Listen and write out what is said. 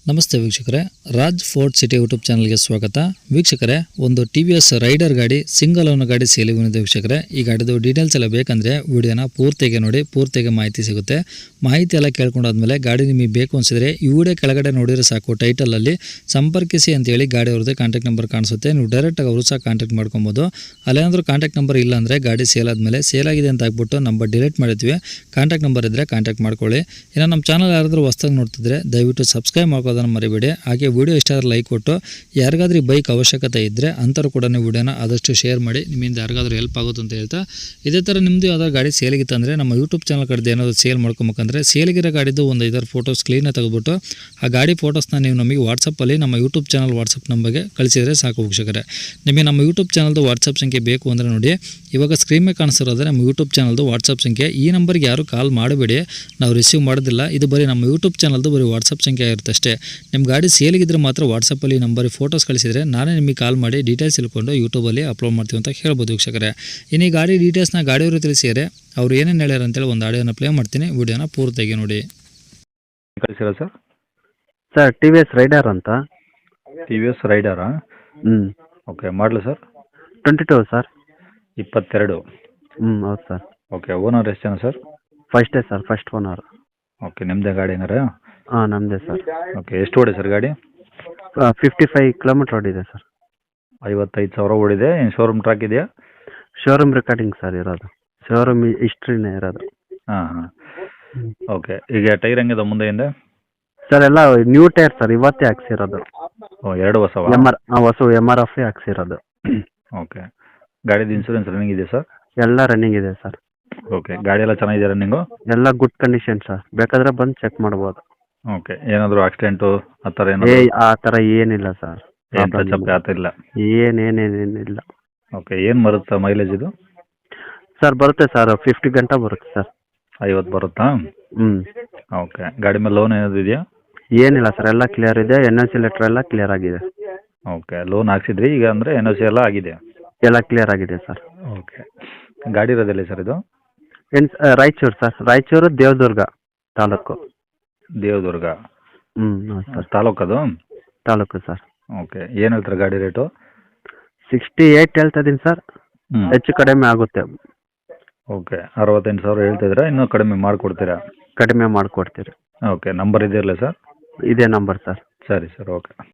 ನಮಸ್ತೆ ವೀಕ್ಷಕರೇ, Raj fort city YouTube ಚಾನಲ್ಗೆ ಸ್ವಾಗತ. ವೀಕ್ಷಕರೇ, ಒಂದು TVS ರೈಡರ್ ಗಾಡಿ ಸಿಂಗಲ್ ಓನರ್ ಗಾಡಿ ಸೇಲಿಗೆ ಬಂದಿದೆ ವೀಕ್ಷಕರೇ. ಈ ಗಾಡಿದು ಡೀಟೇಲ್ಸ್ ಎಲ್ಲ ಬೇಕಂದರೆ ವಿಡಿಯೋನ ಪೂರ್ತಿಗೆ ನೋಡಿ, ಪೂರ್ತಿಗೆ ಮಾಹಿತಿ ಸಿಗುತ್ತೆ. ಮಾಹಿತಿ ಎಲ್ಲ ಕೇಳ್ಕೊಂಡಾದ್ಮೇಲೆ ಗಾಡಿ ನಿಮಗೆ ಬೇಕು ಅನಿಸಿದ್ರೆ ಈ ವಿಡಿಯೋ ಕೆಳಗಡೆ ನೋಡಿದ್ರೆ ಸಾಕು, ಟೈಟಲಲ್ಲಿ ಸಂಪರ್ಕಿಸಿ ಅಂತೇಳಿ ಗಾಡಿ ಅವ್ರದ್ದೇ ಕಾಂಟ್ಯಾಕ್ಟ್ ನಂಬರ್ ಕಾಣಿಸುತ್ತೆ. ನೀವು ಡೈರೆಕ್ಟಾಗಿ ಅವರು ಸಹ ಕಾಂಟ್ಯಾಕ್ಟ್ ಮಾಡ್ಕೊಬೋದು. ಅಲ್ಲೇನಾದರೂ ಕಾಂಟ್ಯಾಕ್ಟ್ ನಂಬರ್ ಇಲ್ಲ ಅಂದರೆ ಗಾಡಿ ಸೇಲ್ ಆದಮೇಲೆ ಸೇಲ್ ಆಗಿದೆ ಅಂತ ಆಗ್ಬಿಟ್ಟು ನಂಬರ್ ಡಿಲೀಟ್ ಮಾಡಿದ್ವಿ. ಕಾಂಟ್ಯಾಕ್ಟ್ ನಂಬರ್ ಇದ್ದರೆ ಕಾಂಟ್ಯಾಕ್ಟ್ ಮಾಡ್ಕೊಳ್ಳಿ. ಇನ್ನು ನಮ್ಮ ಚಾನಲ್ ಯಾರಾದರೂ ಹೊಸದಾಗಿ ನೋಡ್ತಿದ್ರೆ ದಯವಿಟ್ಟು ಸಬ್ಸ್ಕ್ರೈಬ್ ಮಾಡ್ಕೋದನ್ನು ಮರಿಬೇಡಿ. ಹಾಗೆ ವಿಡಿಯೋ ಇಷ್ಟ ಆದರೆ ಲೈಕ್ ಕೊಟ್ಟು, ಯಾರಿಗಾದ್ರೂ ಬೈಕ್ ಅವಶ್ಯಕತೆ ಇದ್ದರೆ ಅಂಥವ್ರು ಕೂಡ ನೀವು ವಿಡಿಯೋನ ಆದಷ್ಟು ಶೇರ್ ಮಾಡಿ, ನಿಮ್ಮಿಂದ ಯಾರಿಗಾದ್ರೂ ಹೆಲ್ಪ್ ಆಗುತ್ತೆ ಅಂತ ಹೇಳ್ತಾ, ಇದೇ ಥರ ನಿಮ್ಮದು ಯಾವ್ದಾದ್ರು ಗಾಡಿ ಸೇಲಿಗಿತ್ತು ಅಂದರೆ ನಮ್ಮ ಯೂಟ್ಯೂಬ್ ಚಾನಲ್ ಕಡೆದು ಏನಾದರೂ ಸೇಲ್ ಮಾಡ್ಕೊಬೇಕಂದ್ರೆ ಸೇಲಿಗಿರೋ ಗಾಡಿದ್ದು ಒಂದು 5 ಫೋಟೋಸ್ ಕ್ಲೀನಾಗಿ ತೆಗೆದುಬಿಟ್ಟು ಆ ಗಾಡಿ ಫೋಟೋಸ್ನ ನೀವು ನಮಗೆ ವಾಟ್ಸಪ್ಪಲ್ಲಿ ನಮ್ಮ ಯೂಟ್ಯೂಬ್ ಚಾನಲ್ ವಾಟ್ಸಪ್ ನಂಬರ್ಗೆ ಕಳಿಸಿದರೆ ಸಾಕು ವೀಕ್ಷಕರೇ. ನಿಮಗೆ ನಮ್ಮ ಯೂಟ್ಯೂಬ್ ಚಾನಲ್ದು ವಾಟ್ಸಪ್ ಸಂಖ್ಯೆ ಬೇಕು ಅಂದರೆ ನೋಡಿ, ಇವಾಗ ಸ್ಕ್ರೀನ್ ಮೇಲೆ ಕಾಣಿಸ್ತಿರೋದ್ರೆ ನಮ್ಮ ಯೂಟ್ಯೂಬ್ ಚಾನಲ್ದು ವಾಟ್ಸಪ್ ಸಂಖ್ಯೆ. ಈ ನಂಬರ್ಗೆ ಯಾರು ಕಾಲ್ ಮಾಡಬೇಡಿ, ನಾವು ರಿಸೀವ್ ಮಾಡೋದಿಲ್ಲ. ಇದು ಬರೀ ನಮ್ಮ ಯೂಟ್ಯೂಬ್ ಚಾನಲ್ದು ಬರೀ ವಾಟ್ಸಪ್ ಸಂಖ್ಯೆ ಆಗಿರುತ್ತೆ ಅಷ್ಟೇ. ನಿಮ್ಮ ಗಾಡಿ ಸೇಲಿಗಿದ್ರೆ ಮಾತ್ರ ವಾಟ್ಸಪ್ಪಲ್ಲಿ ನಂಬರಿಗೆ ಫೋಟೋಸ್ ಕಳಿಸಿದರೆ ನಾನೇ ನಿಮಗೆ ಕಾಲ್ ಮಾಡಿ ಡೀಟೇಲ್ಸ್ ತಿಳ್ಕೊಂಡು ಯೂಟ್ಯೂಬಲ್ಲಿ ಅಪ್ಲೋಡ್ ಮಾಡ್ತೀವಿ ಅಂತ ಹೇಳ್ಬೋದು ವೀಕ್ಷಕರೇ. ಇನ್ನು ಈ ಗಾಡಿ ಡೀಟೇಲ್ಸ್ನ ಗಾಡಿಯವರು ತಿಳಿಸಿದರೆ ಅವ್ರು ಏನೇನು ಹೇಳ್ಯಾರ ಅಂತೇಳಿ ಒಂದು ಆಡಿಯೋನ ಪ್ಲೇ ಮಾಡ್ತೀನಿ, ವಿಡಿಯೋನ ಪೂರ್ತಿಯಾಗಿ ನೋಡಿ. ಕಳಿಸಿರ ಸರ್ ಸರ್ TVS ರೈಡರ್ ಅಂತ. TVS ರೈಡರಾ? ಓಕೆ, ಮಾಡಲು ಸರ್ 22 ಸರ್. 22. ಹೌದು ಸರ್. ಓಕೆ, ಓನರ್ ಎಷ್ಟು ಜನ ಸರ್? ಫಸ್ಟೇ ಸರ್, ಫಸ್ಟ್ ಓನರ್. ಓಕೆ, ನಿಮ್ಮದೇ ಗಾಡಿ ಏನಾರ? ಹಾಂ, ನಮ್ಮದೇ ಸರ್. ಓಕೆ, ಎಷ್ಟು ಓಡಿ ಸರ್ ಗಾಡಿ? 55 ಕಿಲೋಮೀಟ್ರ್ ಓಡಿದೆ ಸರ್. 55,000 ಓಡಿದೆ. ಏನು ಶೋರೂಮ್ ಟ್ರ್ಯಾಕ್ ಇದೆಯಾ? ಶೋರೂಮ್ ರೆಕಾರ್ಡಿಂಗ್ ಸರ್ ಇರೋದು, ಶೋರೂಮ್ ಹಿಸ್ಟ್ರಿನೇ ಇರೋದು. ಹಾಂ ಹಾಂ. ಓಕೆ, ಈಗ ಟೈರ್ ಹೆಂಗಿದೆ ಮುಂದೆ ಹಿಂದೆ? ಸರ್ ಎಲ್ಲ ನ್ಯೂ ಟೈರ್ ಸರ್, ಇವತ್ತೇ ಹಾಕ್ಸಿರೋದು. ಓ, 2 ಹೊಸವಾ? ಹೊಸ MRF ಹಾಕ್ಸಿರೋದು. ಓಕೆ, ಗಾಡಿದು ಇನ್ಸೂರೆನ್ಸ್ ರನ್ನಿಂಗ್ ಇದೆ ಸರ್? ಎಲ್ಲ ರನ್ನಿಂಗ್ ಇದೆ ಸರ್. ಓಕೆ, ಗಾಡಿ ಎಲ್ಲ ಚೆನ್ನಾಗಿದೆ ರನ್ನಿಂಗು? ಎಲ್ಲ ಗುಡ್ ಕಂಡೀಷನ್ ಸರ್, ಬೇಕಾದರೆ ಬಂದು ಚೆಕ್ ಮಾಡ್ಬೋದು. ಓಕೆ, ಏನಾದರೂ ಆಕ್ಸಿಡೆಂಟು ಆ ಥರ ಆ ಥರ ಏನಿಲ್ಲ ಸರ್. ಏನು ಟಚಪ್ ಆ ಥರ ಇಲ್ಲ? ಏನೇನೇನಿಲ್ಲ. ಓಕೆ, ಏನು ಬರುತ್ತೆ ಮೈಲೇಜ್ ಇದು? ಸರ್ ಬರುತ್ತೆ ಸರ್, 50 ಗಂಟೆ ಬರುತ್ತೆ ಸರ್. 50 ಬರುತ್ತಾ? ಓಕೆ, ಗಾಡಿ ಮೇಲೆ ಲೋನ್ ಏನಾದ್ರು ಇದೆಯಾ? ಏನಿಲ್ಲ ಸರ್, ಎಲ್ಲ ಕ್ಲಿಯರ್ ಇದೆ. NOC ಲೆಟ್ರ್ ಎಲ್ಲ ಕ್ಲಿಯರ್ ಆಗಿದೆ. ಓಕೆ, ಲೋನ್ ಹಾಕ್ಸಿದ್ರಿ, ಈಗ ಅಂದರೆ NOC ಎಲ್ಲ ಆಗಿದೆ? ಎಲ್ಲ ಕ್ಲಿಯರ್ ಆಗಿದೆ ಸರ್. ಓಕೆ, ಗಾಡಿ ಇರೋದಿಲ್ಲ ಸರ್ ಇದು? ರಾಯಚೂರು ಸರ್, ರಾಯಚೂರು ದೇವದುರ್ಗ ತಾಲೂಕು. ದೇವದುರ್ಗ? ಹೌದು ಸರ್. ತಾಲೂಕದು? ತಾಲೂಕು ಸರ್. ಓಕೆ, ಏನು ಹೇಳ್ತಾರೆ ಗಾಡಿ ರೇಟು? 68 ಹೇಳ್ತಾ ಇದ್ದೀನಿ ಸರ್, ಹೆಚ್ಚು ಕಡಿಮೆ ಆಗುತ್ತೆ. ಓಕೆ, 68,000 ಹೇಳ್ತಿದ್ರೆ ಇನ್ನೂ ಕಡಿಮೆ ಮಾಡಿಕೊಡ್ತೀರಾ? ಕಡಿಮೆ ಮಾಡಿಕೊಡ್ತೀರಿ. ಓಕೆ, ನಂಬರ್ ಇದೆಯಲ್ಲ ಸರ್? ಇದೇ ನಂಬರ್ ಸರ್. ಸರಿ ಸರ್, ಓಕೆ.